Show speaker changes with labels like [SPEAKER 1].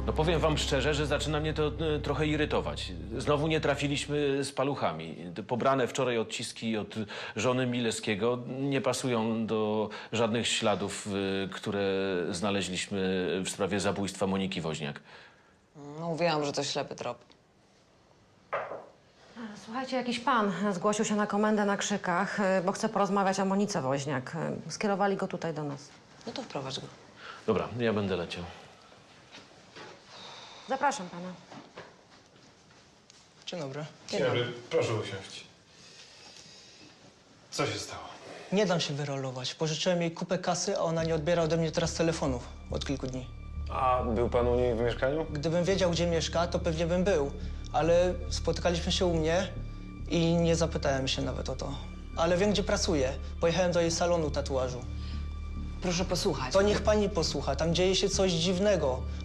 [SPEAKER 1] No powiem wam szczerze, że zaczyna mnie to trochę irytować. Znowu nie trafiliśmy z paluchami. Te pobrane wczoraj odciski od żony Mileskiego nie pasują do żadnych śladów, które znaleźliśmy w sprawie zabójstwa Moniki Woźniak.
[SPEAKER 2] No, mówiłam, że to ślepy trop.
[SPEAKER 3] Słuchajcie, jakiś pan zgłosił się na komendę na Krzykach, bo chce porozmawiać o Monice Woźniak. Skierowali go tutaj do nas.
[SPEAKER 2] No to wprowadź go.
[SPEAKER 1] Dobra, ja będę leciał.
[SPEAKER 3] Zapraszam pana.
[SPEAKER 4] Dzień dobry.
[SPEAKER 5] Dzień dobry, proszę usiąść. Co się stało?
[SPEAKER 4] Nie dam się wyrolować. Pożyczyłem jej kupę kasy, a ona nie odbiera ode mnie teraz telefonów od kilku dni.
[SPEAKER 5] A był pan u niej w mieszkaniu?
[SPEAKER 4] Gdybym wiedział, gdzie mieszka, to pewnie bym był. Ale spotykaliśmy się u mnie i nie zapytałem się nawet o to. Ale wiem, gdzie pracuje. Pojechałem do jej salonu tatuażu.
[SPEAKER 2] Proszę posłuchać.
[SPEAKER 4] To niech pani posłucha. Tam dzieje się coś dziwnego.